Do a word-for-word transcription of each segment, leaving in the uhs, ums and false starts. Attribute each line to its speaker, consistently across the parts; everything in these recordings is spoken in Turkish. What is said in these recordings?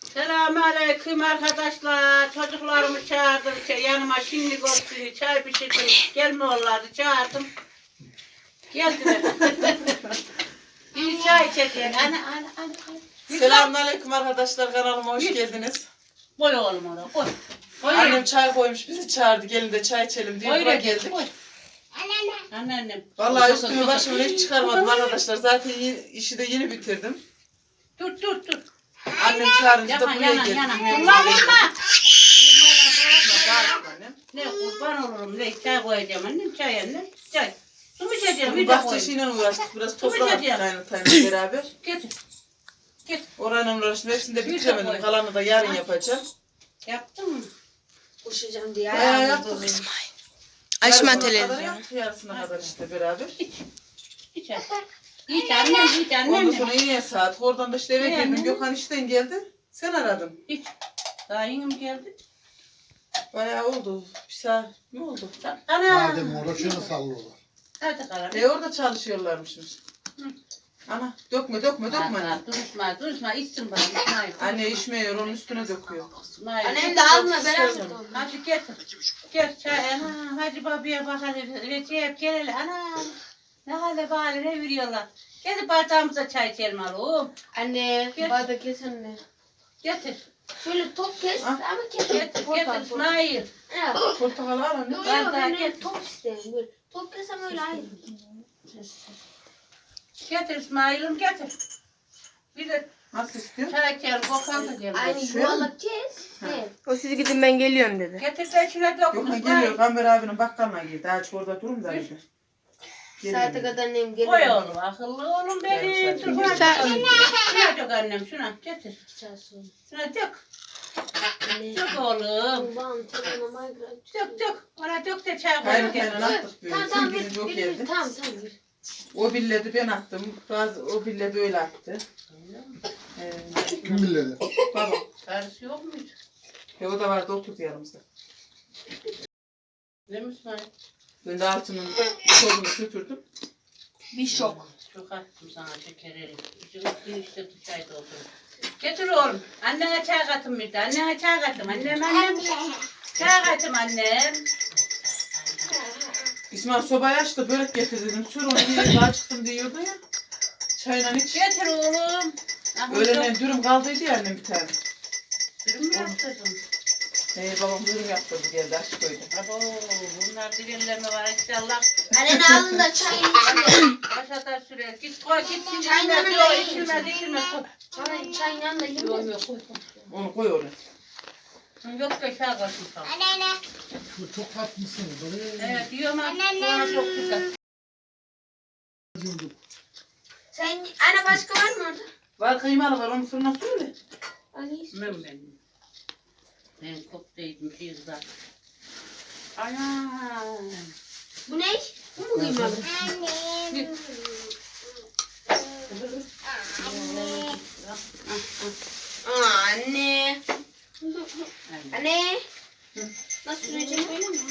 Speaker 1: Selamünaleyküm arkadaşlar. Çocuklarımı çağırdım. Çay- Yanıma şimdi olsun çay pişirdim. Gelmiyorlardı. Çağırdım. Geldiler. Bir çay çekin. Ana ana ana. ana.
Speaker 2: Selamünaleyküm arkadaşlar, kanalıma hoş geldiniz.
Speaker 1: Koy oğlum ona. Koy. Koy.
Speaker 2: Annem çay koymuş, bizi çağırdı, gelin de çay içelim diye
Speaker 1: Koy
Speaker 2: buraya
Speaker 1: da
Speaker 2: geldik.
Speaker 1: Koy. Anneannem.
Speaker 2: Vallahi üstümü başımı hiç çıkarmadım arkadaşlar, zaten yeni- işi de yeni bitirdim.
Speaker 1: Dur dur dur.
Speaker 2: Annem çağırınca da
Speaker 1: Yanan
Speaker 2: buraya
Speaker 1: yanan
Speaker 2: geldik.
Speaker 1: yanan.
Speaker 2: Yemeğe
Speaker 1: Vurma
Speaker 2: geldik.
Speaker 1: vurma.
Speaker 2: Bağırma annem.
Speaker 1: Ne kurban olurum. Ne çay koyacağım annem. Çay annem. Çay. Su mu içeceğim?
Speaker 2: Bugün
Speaker 1: Bir de koyayım.
Speaker 2: bahçesiyle uğraştık, biraz
Speaker 1: Su mu
Speaker 2: toprak attık
Speaker 1: içeceğim?
Speaker 2: kaynatayla beraber.
Speaker 1: Getir. Getir.
Speaker 2: Orayla uğraştım, hepsini de
Speaker 1: Bir de
Speaker 2: bitiremedim,
Speaker 1: koy.
Speaker 2: kalanı da yarın
Speaker 1: Ay.
Speaker 2: yapacağım.
Speaker 1: Yaptın mı?
Speaker 3: Koşacağım diye.
Speaker 2: Bayağı
Speaker 3: ayağımı
Speaker 2: yaptık.
Speaker 3: dolayım.
Speaker 2: Yarısına
Speaker 4: Açma
Speaker 2: kadar
Speaker 4: televizyonu.
Speaker 2: yaptık, yarısına kadar işte beraber.
Speaker 1: İç hadi. İç annem, iç annem.
Speaker 2: Ondan
Speaker 1: de.
Speaker 2: sonra yine saat, oradan da işte eve
Speaker 1: Ne
Speaker 2: girdim,
Speaker 1: annem?
Speaker 2: Gökhan işten geldi. Sen aradın.
Speaker 1: İç. Daha yengem geldi.
Speaker 2: Bayağı oldu. Bir saat ne oldu?
Speaker 1: Ana.
Speaker 5: Madem uğraşıyorlar sallıyorlar.
Speaker 1: Hadi kalalım.
Speaker 2: E orada çalışıyorlarmışmış.
Speaker 1: Hı.
Speaker 2: Ana dökme dökme dökme.
Speaker 1: Ha, Duruşma, duruşma. İçsin bana. İsmail.
Speaker 2: Anne içmiyor, onun üstüne döküyor.
Speaker 1: İsmail.
Speaker 3: Annem de alma beraber.
Speaker 1: Hadi getir. Gel çay. Ana. Hadi babaya bak hadi. Recep gel hele. Ana. Ne hale bari ne veriyorlar. Gel bardağımıza çay içelim oğlum.
Speaker 3: Anne
Speaker 1: Gel.
Speaker 3: bardak kes anne.
Speaker 1: Getir.
Speaker 3: Şöyle top kes
Speaker 2: Ah.
Speaker 3: ama kes.
Speaker 1: Getir. Getir İsmail.
Speaker 3: Ya.
Speaker 2: Portakal al anne.
Speaker 3: Yok
Speaker 1: Ben
Speaker 3: yok
Speaker 1: daha
Speaker 3: ben öyle
Speaker 1: gel.
Speaker 3: top isterim. Böyle top kesem öyle hayır.
Speaker 1: Getir İsmail'im getir. Bir de
Speaker 2: Nasıl istiyorsun?
Speaker 1: çay içelim. Kokan da gel.
Speaker 3: Aynı
Speaker 2: Şöyle mi?
Speaker 3: yuvarlak kes.
Speaker 2: Ha.
Speaker 3: Evet.
Speaker 4: O siz gidin ben geliyorum dedi.
Speaker 1: Getir de içine dokun
Speaker 2: Gökhan
Speaker 1: İsmail.
Speaker 2: geliyor, Gamber abinin bakkalına gidiyor. Daha çok orada durun da gidiyor.
Speaker 3: Saate kadar annem gelir.
Speaker 1: Koy oğlum akıllı oğlum benim.
Speaker 2: Yarım
Speaker 1: Dur
Speaker 2: saat.
Speaker 1: hadi bakalım. Şuna dök annem şuna getir.
Speaker 3: İki saat sonra.
Speaker 1: Şuna dök.
Speaker 3: Anne.
Speaker 1: Dök oğlum.
Speaker 3: Babam telefonuma migrant.
Speaker 1: Dök dök. Ona dök de çay koy.
Speaker 2: Kaynak
Speaker 1: Gel.
Speaker 2: kaynak attık böyle.
Speaker 3: Tamam tamam
Speaker 2: Sevgili
Speaker 3: bir,
Speaker 2: yok
Speaker 3: bir,
Speaker 2: evde.
Speaker 3: bir, tamam tamam bir.
Speaker 2: O billedi ben attım. Bazı o billedi öyle attı. Ee,
Speaker 5: Kim bilir?
Speaker 2: baba.
Speaker 1: Karısı yok muydu?
Speaker 2: E o da vardı, oturdu yanımızda.
Speaker 1: Ne mi İsmail?
Speaker 2: Ben de altının tozunu süpürdüm.
Speaker 3: Bir şok.
Speaker 1: Çok attım sana şekeri. Bir işte çay doldurdum. Getir oğlum. Annene çay katın bir de. Annene çay katın. Annem annem. Çay katın annem.
Speaker 2: İsmail sobayı açtı, börek getir dedim. Sür onu diye daha çıktım diyordu ya. Çayla iç.
Speaker 1: Getir oğlum. Ah,
Speaker 2: Öğlenen dürüm kaldıydı ya annem bir tane.
Speaker 1: Dürüm mü yaptırdın?
Speaker 2: Ee, babam dürüm yaptırdı, geldi aç koydu.
Speaker 1: Abo, bunlar dilenlerine var inşallah.
Speaker 3: Anne alın da çayını içme.
Speaker 1: Başa da sürer. Git koy git.
Speaker 3: Çayın
Speaker 1: İçilmez
Speaker 3: yanında
Speaker 1: yok
Speaker 3: yiyin.
Speaker 1: içilmez içilmez. Koy.
Speaker 3: Çay, çayın yanında
Speaker 1: Yok
Speaker 3: yiyeyim.
Speaker 1: yok koy.
Speaker 2: Onu koy oraya.
Speaker 1: koy. Yok da şah koysun sana.
Speaker 5: Şu çok tatlısın. Böyle
Speaker 1: Evet yiyorum ama sonra çok güzel.
Speaker 3: Sen anne başka var mı orada?
Speaker 2: Var kıymalı var, onu fırına söyle.
Speaker 3: Ali.
Speaker 1: Ben ben. Ben koptaydım bir güzel. Ana.
Speaker 3: Bu ne? Bu mu kıymalı? Aa, anne. Anne. Nasıl süreceğim öyle mi?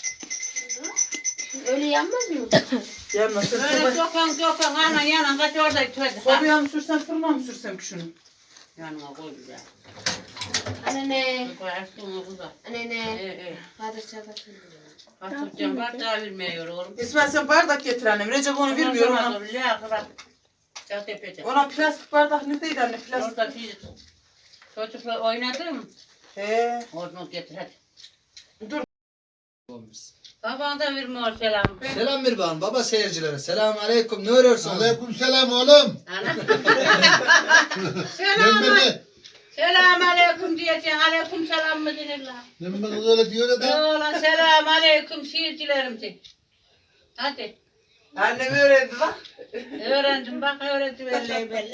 Speaker 3: Öyle yanmaz mı?
Speaker 2: Yanmasın.
Speaker 1: Böyle
Speaker 2: Soba,
Speaker 1: dokan dokan ana yanan kaç orada içeride.
Speaker 2: sobaya mı sürsem, fırına mı sürsem ki şunu?
Speaker 1: Yanına koy güzel.
Speaker 3: Anne ne?
Speaker 1: Koyarsın onu güzel.
Speaker 3: Anne
Speaker 1: Ee,
Speaker 3: ne?
Speaker 1: ee.
Speaker 3: Hadi çabuk.
Speaker 1: Atılacağım bardağı vermiyor oğlum.
Speaker 2: İsmail sen bardak getir annem. Recep onu vermiyor ona.
Speaker 1: Ya kırak. Ya tepede.
Speaker 2: Ona plastik bardak neredeydi anne, plastik?
Speaker 1: Orada bir çocukla oynadım.
Speaker 2: He.
Speaker 1: Onu getir hadi.
Speaker 2: Dur.
Speaker 1: Baban da vermiyor selam.
Speaker 6: Selam bir bağım baba seyircilere. Selamun aleyküm. Ne örüyorsunuz?
Speaker 5: Aleyküm selam oğlum.
Speaker 1: Ana.
Speaker 5: Ben
Speaker 1: Selam.
Speaker 5: beni.
Speaker 1: Selam aleyküm diyeceksin. Aleyküm selam mı denirler?
Speaker 5: Ben beni öyle diyor da.
Speaker 1: Oğlan selam aleyküm şiircilerim de. Hadi.
Speaker 2: Annem öğrendi bak.
Speaker 1: Öğrendim bak öğrendim belli belli.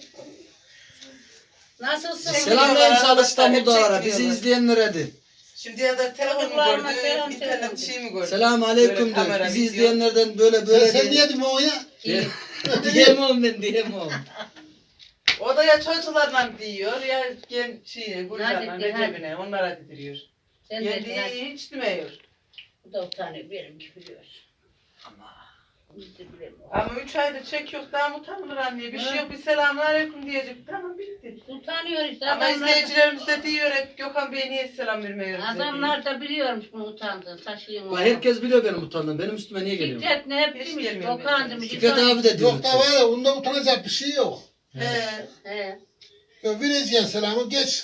Speaker 1: Nasılsın?
Speaker 6: Selamlayın sağ İstanbul'dalara.
Speaker 2: Hep
Speaker 6: Bizi
Speaker 2: çekmiyorlar.
Speaker 6: izleyenlere de.
Speaker 2: Şimdi ya da telefon mu
Speaker 1: Çocuklarıma
Speaker 2: gördü,
Speaker 1: selam
Speaker 2: internet
Speaker 1: söyle.
Speaker 2: şey mi gördü?
Speaker 6: Selamun aleyküm
Speaker 2: Böyle kamera,
Speaker 6: diyor. Bizi
Speaker 2: video.
Speaker 6: izleyenlerden böyle
Speaker 5: Sen,
Speaker 6: böyle
Speaker 5: sen
Speaker 6: diye.
Speaker 5: diyedin o ya.
Speaker 1: İyi.
Speaker 6: Diyemem ben diyemem.
Speaker 2: O da ya çocuklarla diyor ya gen şey Gülcan'la
Speaker 1: Hadi, hadi.
Speaker 2: Recep'ine onlara didiriyor.
Speaker 1: Sen de
Speaker 2: Kendi hiç demiyor.
Speaker 1: bu da utanıyor benim gibi biliyor. Biz de bilemiyoruz.
Speaker 2: Ama üç aydır çek yok daha mı utanılır anne? Bir şey yok bir selamünaleyküm diyecek. Tamam bitti.
Speaker 1: Utanıyor işte
Speaker 2: Ama
Speaker 1: adamlar.
Speaker 2: izleyicilerimiz de diyor hep Gökhan Bey niye selam vermiyor bize diye.
Speaker 1: Adamlar da biliyormuş bunu utandığını taşıyın.
Speaker 6: Bak herkes biliyor benim utandığımı. Benim üstüme niye geliyor?
Speaker 1: Fikret ne hep
Speaker 2: Hiç
Speaker 1: demiş.
Speaker 2: gelmiyor
Speaker 1: Okan
Speaker 2: mesela.
Speaker 1: demiş.
Speaker 6: Fikret abi de diyor.
Speaker 5: Yok da var ya bunda utanacak bir şey yok.
Speaker 2: He.
Speaker 1: He.
Speaker 5: Ya vereceksin selamı geç.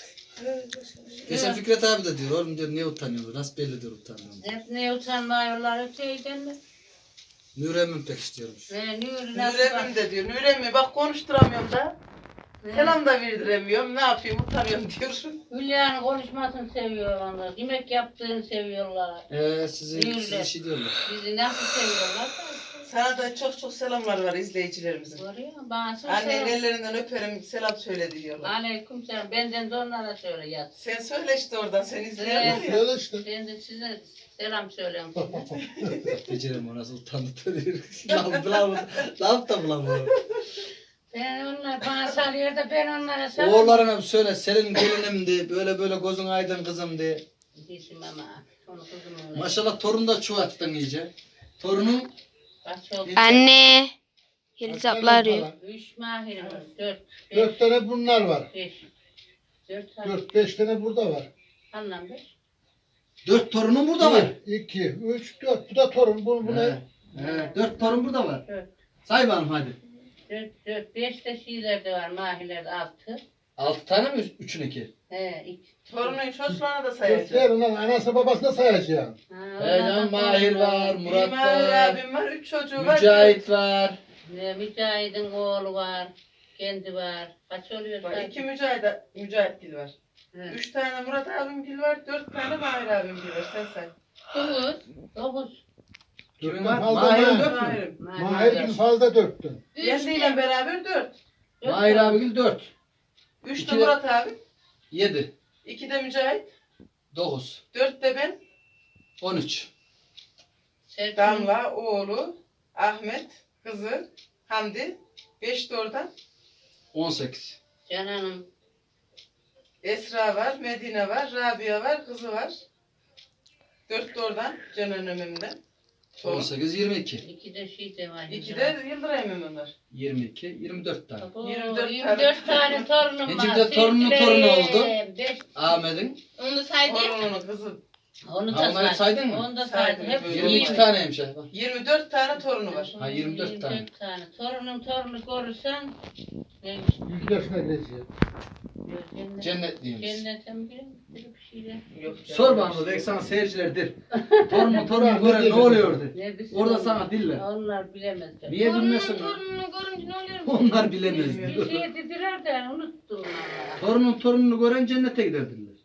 Speaker 6: Geçen Fikret abi de diyor. Oğlum diyor niye utanıyorsun? Nasıl belli diyor utandığımı.
Speaker 1: Hep ne utanmıyorlar öteyden mi?
Speaker 6: Nurem'in pek istiyormuş.
Speaker 1: Ve Nuri nasıl
Speaker 2: Nuremim
Speaker 1: bak.
Speaker 2: de diyor. Nuremim bak konuşturamıyorum da.
Speaker 1: He.
Speaker 2: Selam da verdiremiyorum. Ne yapayım utanıyorum diyor.
Speaker 1: Hülya'nın konuşmasını seviyor onlar. Yemek yaptığını seviyorlar.
Speaker 6: Eee sizi,
Speaker 1: Nuri.
Speaker 6: sizi şey diyorlar.
Speaker 1: Bizi nasıl seviyorlar da.
Speaker 2: Sana da çok çok selamlar var izleyicilerimizin.
Speaker 1: Var ya bana çok
Speaker 2: Annenin
Speaker 1: selam.
Speaker 2: ellerinden öperim selam söyle diyorlar.
Speaker 1: Aleyküm selam. Benden de onlara söyle yaz.
Speaker 2: Sen söyle işte oradan sen izleyenler
Speaker 1: Evet.
Speaker 2: ya.
Speaker 5: Böyle işte.
Speaker 1: Ben de size selam söylüyorum.
Speaker 6: Becerem o nasıl utandı tanıyor. Lan bulamam. Lan da bulamam.
Speaker 1: Ben onlar bana salıyor da ben onlara salıyorum.
Speaker 6: Oğullarına bir söyle. Senin gelinimdi. Böyle böyle gözün aydın kızımdı.
Speaker 1: Bizim ama. Onu kızımın.
Speaker 6: Maşallah torun da çuvattın iyice. Torunun
Speaker 1: Kaç oldu?
Speaker 4: Anne. Yeliz abla arıyor.
Speaker 1: Üç mahir var. Dört. Beş.
Speaker 5: Dört tane bunlar var.
Speaker 1: Beş. Dört tane.
Speaker 5: Dört, beş tane burada var.
Speaker 1: Anlam beş.
Speaker 6: dört torunun burada var.
Speaker 5: Bir, iki, üç, dört. Bu da torun. Bu, bu
Speaker 6: He,
Speaker 5: ne?
Speaker 6: he, dört torun burada var.
Speaker 1: Dört.
Speaker 6: Say bakalım hadi.
Speaker 1: Dört. Dört. Beş de şeylerde var. Mahirlerde altı.
Speaker 6: Altı tane mi? Üçün iki.
Speaker 1: He. iki.
Speaker 2: Torunun çocuklarını da
Speaker 5: Dört
Speaker 2: sayacağım.
Speaker 5: yer onların anası babasına sayacağım.
Speaker 1: Ha,
Speaker 6: He
Speaker 1: onlar
Speaker 6: lan
Speaker 1: da
Speaker 6: Mahir
Speaker 1: torunlar.
Speaker 6: var,
Speaker 2: Bir
Speaker 6: Murat
Speaker 2: Mahir
Speaker 6: var,
Speaker 2: abim var, üç çocuğu var.
Speaker 6: Mücahit var.
Speaker 1: Ne, Mücahit'in oğlu var. Kendi var. Kaç oluyor?
Speaker 2: Var,
Speaker 1: zaten?
Speaker 2: İki Mücahit, Mücahit Gil var.
Speaker 1: He.
Speaker 2: Üç tane Murat abim Gil var, dört tane Mahir abim Gil var. Sen say.
Speaker 1: Dokuz. Dokuz.
Speaker 6: Kimin
Speaker 5: Dörtten
Speaker 6: var?
Speaker 5: fazla
Speaker 6: Mahir'in
Speaker 5: mı?
Speaker 6: dört mü?
Speaker 2: Mahirim.
Speaker 5: Mahir gün fazla dörttün.
Speaker 2: Yendiyle beraber dört.
Speaker 6: Mahir abigil dört.
Speaker 2: Üç de
Speaker 6: İki de-
Speaker 2: Murat abim.
Speaker 6: Yedi.
Speaker 2: İki de Mücahit.
Speaker 6: Dokuz.
Speaker 2: Dört de ben.
Speaker 6: On üç.
Speaker 1: Serkan.
Speaker 2: Damla, oğlu, Ahmet, kızı, Hamdi. Beş de oradan.
Speaker 6: On sekiz.
Speaker 1: Canan'ım.
Speaker 2: Esra var, Medine var, Rabia var, kızı var. Dört de oradan, Canan Ömüm'den.
Speaker 6: On sekiz. Yirmi iki.
Speaker 1: İki de şey de var.
Speaker 2: İki de Yıldıray Ömüm var.
Speaker 6: Yirmi iki. Yirmi dört tane.
Speaker 1: Abo,
Speaker 2: yirmi dört
Speaker 1: yirmi dört tane torunum var.
Speaker 6: İkinci de torunun torunu oldu.
Speaker 1: Beş.
Speaker 6: Ahmet'in.
Speaker 3: Onu saydı.
Speaker 2: Torununun kızı.
Speaker 1: Onu da
Speaker 6: Ha, onları
Speaker 1: saydım.
Speaker 6: saydın mı?
Speaker 1: Onu da
Speaker 2: Saydım.
Speaker 1: saydım. Hep
Speaker 6: Yirmi iki
Speaker 1: yirmi-
Speaker 6: taneymiş. ha, bak.
Speaker 2: Yirmi dört tane torunu var.
Speaker 6: Ha, yirmi dört tane.
Speaker 1: yirmi dört tane. Torunum torunu görürsen neymiş?
Speaker 5: Yüz yaşına gireceğim.
Speaker 1: Cennet.
Speaker 6: Cennetliymiş.
Speaker 1: Cennete mi girelim? Bir şeyler.
Speaker 2: Yok canım.
Speaker 6: Sor bana belki sana seyircilerdir. Torunu torunu gören ne oluyordu?
Speaker 1: Ne bilsin
Speaker 6: Orada
Speaker 1: onlar?
Speaker 6: sana diller.
Speaker 1: Onlar bilemezler.
Speaker 6: Niye bilmesin?
Speaker 3: Torununu görünce ne oluyor?
Speaker 6: Onlar bilemez.
Speaker 1: Bir şey dediler de unuttum onları.
Speaker 6: Torunun torununu gören cennete giderdiler.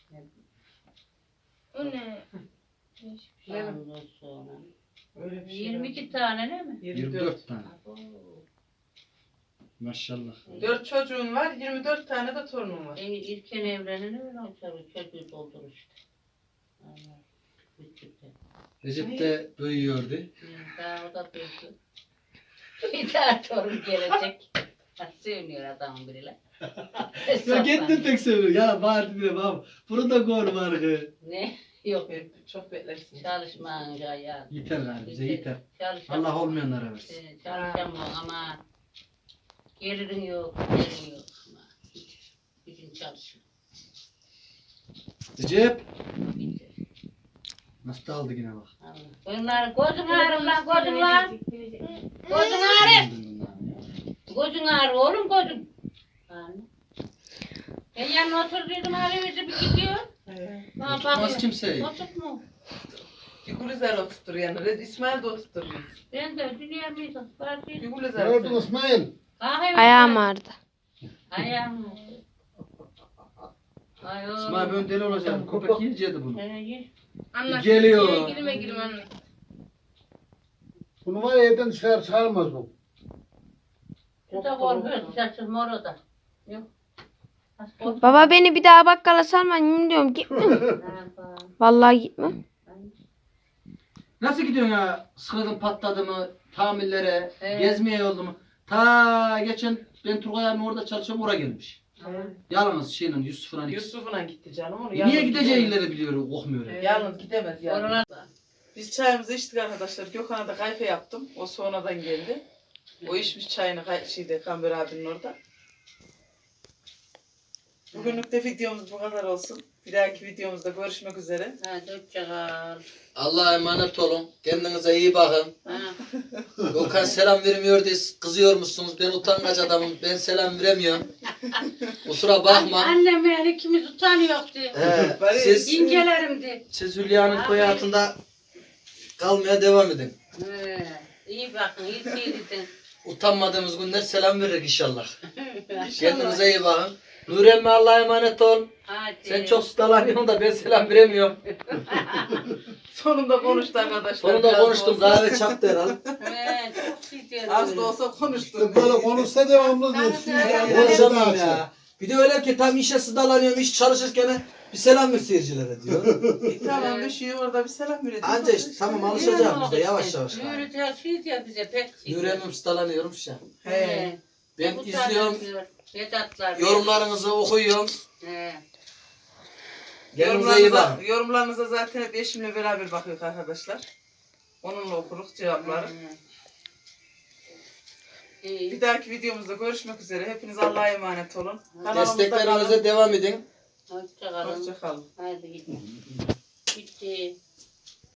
Speaker 3: O ne?
Speaker 1: Ondan sonra.
Speaker 2: Öyle bir şey
Speaker 1: yirmi
Speaker 2: var.
Speaker 1: iki tane değil mi?
Speaker 6: Yirmi dört tane.
Speaker 1: Abo.
Speaker 6: Maşallah.
Speaker 2: Dört çocuğun var, yirmi dört tane de torunun var.
Speaker 1: E, İlken evrenin öyle olacak. Çocuğu doldur işte. Allah. Bitti.
Speaker 6: Recep de büyüyordu.
Speaker 1: Daha o da büyüdü. Bir daha torun gelecek. Seviniyor adamın biriyle.
Speaker 6: Ya kendin pek seviyor. Ya bağırdı bile baba. Bunu da gör var ki.
Speaker 1: Ne? Yok.
Speaker 2: Hep Çok beklersin.
Speaker 1: Çalışmayınca ya.
Speaker 6: Yeter galiba bize yeter.
Speaker 1: Çalışamam.
Speaker 6: Allah olmayanlara versin.
Speaker 1: Ee, Çalışamam ama gelirin yok, gelirin yok. Ama hiç gücün çalışmıyor.
Speaker 6: Recep. Nasıl da aldı yine bak.
Speaker 1: Allah. Bunlar gözün ağrır lan gözün lan. Gözün ağrır. Gözün ağrır oğlum gözün. Yani. Ben yanına oturduydum ağrıyor bir gidiyor.
Speaker 2: He.
Speaker 1: Bana
Speaker 6: Tutmaz
Speaker 1: bakıyor.
Speaker 6: kimseyi.
Speaker 1: Otur mu?
Speaker 2: Bir Gülizar oturtur yani. Red- İsmail de oturtur.
Speaker 1: Ben de dünya mıydı? Var
Speaker 2: Bir
Speaker 1: değil.
Speaker 2: Gülizar
Speaker 5: Gördün
Speaker 2: oturtur.
Speaker 5: İsmail.
Speaker 1: Kahve
Speaker 4: Ayağım ağrıdı.
Speaker 1: Ayağım ağrıdı. Ay oğlum.
Speaker 6: İsmail ben deli olacağım. Köpek yiyeceğiydi bunu.
Speaker 1: Ee, ye.
Speaker 3: Anlat.
Speaker 6: Geliyor.
Speaker 3: Girme girme anlat.
Speaker 5: Bunu var ya evden dışarı çağırmaz bu.
Speaker 1: Şu da korkuyor. Saçım mor o da. Yok. Az korkuyor.
Speaker 4: Baba beni bir daha bakkala salmayın diyorum. Gitme.
Speaker 1: Ne yapalım?
Speaker 4: Vallahi gitme.
Speaker 6: Nasıl gidiyorsun ya? Sıkıldın patladı mı? Tamirlere,
Speaker 1: Evet.
Speaker 6: gezmeye yoldu mu? Ta geçen ben Turgay abim orada çalışıyorum oraya gelmiş. Yalnız şeyle Yusuf'un ikisi.
Speaker 2: Yusuf'una gitti canım onu.
Speaker 6: Niye
Speaker 2: Yalnız
Speaker 6: gideceği
Speaker 2: gidemez.
Speaker 6: illeri biliyor, kokmuyor.
Speaker 2: Yalnız gidemez yani.
Speaker 1: Korona.
Speaker 2: Biz çayımızı içtik arkadaşlar. Gökhan'a da kayfe yaptım. O sonradan geldi. O içmiş çayını kay- şeyde Kamber abinin orada. Bugünlük de videomuz bu kadar olsun. Bir dahaki videomuzda görüşmek üzere.
Speaker 1: Hadi hoşçakal.
Speaker 6: Allah'a emanet olun. Kendinize iyi bakın.
Speaker 1: Ha.
Speaker 6: Gökhan selam vermiyor diye kızıyor musunuz? Ben utangaç adamım. Ben selam veremiyorum. Kusura bakma.
Speaker 1: Annem yani ikimiz utanıyordu.
Speaker 6: He,
Speaker 2: Bari-
Speaker 6: siz,
Speaker 1: İngelerimdi.
Speaker 6: siz Hülya'nın köy hayatında kalmaya devam edin.
Speaker 1: He. İyi bakın, iyi seyredin.
Speaker 6: Utanmadığımız günler selam verir inşallah. Kendinize iyi bakın. Nur emmi Allah'a emanet ol.
Speaker 1: Hadi.
Speaker 6: Sen çok ustalanıyorsun da ben selam veremiyorum.
Speaker 2: Sonunda konuştu arkadaşlar.
Speaker 6: Sonunda
Speaker 2: Biraz da
Speaker 6: konuştum.
Speaker 2: olsa-
Speaker 6: Kahve çaktı herhalde.
Speaker 1: He, çok seyredin.
Speaker 2: Az da olsa konuştu.
Speaker 5: İşte böyle konuşsa devamlı diyorsun.
Speaker 1: Ya,
Speaker 6: Konuşamıyorum ya. Bir de öyle ki tam işe sıdalanıyorum, iş çalışırken bir selam ver seyircilere diyor.
Speaker 2: E, tamam bir şey orada bir selam verelim.
Speaker 6: Anca işte tamam alışacağım biz de yavaş yavaş.
Speaker 1: Nuri de şey diyor bize pek şey.
Speaker 6: Yüreğim sıdalanıyorum şu an.
Speaker 2: He.
Speaker 6: Ben
Speaker 1: Bu
Speaker 6: izliyorum,
Speaker 1: tanıyor, Vedatlar.
Speaker 6: yorumlarınızı okuyorum.
Speaker 1: He.
Speaker 6: Kendinize iyi
Speaker 2: Yorumlarınıza,
Speaker 6: bakın.
Speaker 2: yorumlarınıza zaten hep eşimle beraber bakıyoruz arkadaşlar. Onunla okuruz cevapları.
Speaker 1: He. İyi.
Speaker 2: Bir dahaki videomuzda görüşmek üzere. Hepiniz Allah'a emanet olun. Kanalımızda
Speaker 6: Desteklerinize
Speaker 2: kalın.
Speaker 6: devam edin.
Speaker 1: Hoşçakalın.
Speaker 2: Hoşça kalın.
Speaker 1: Hadi gidin. Bitti.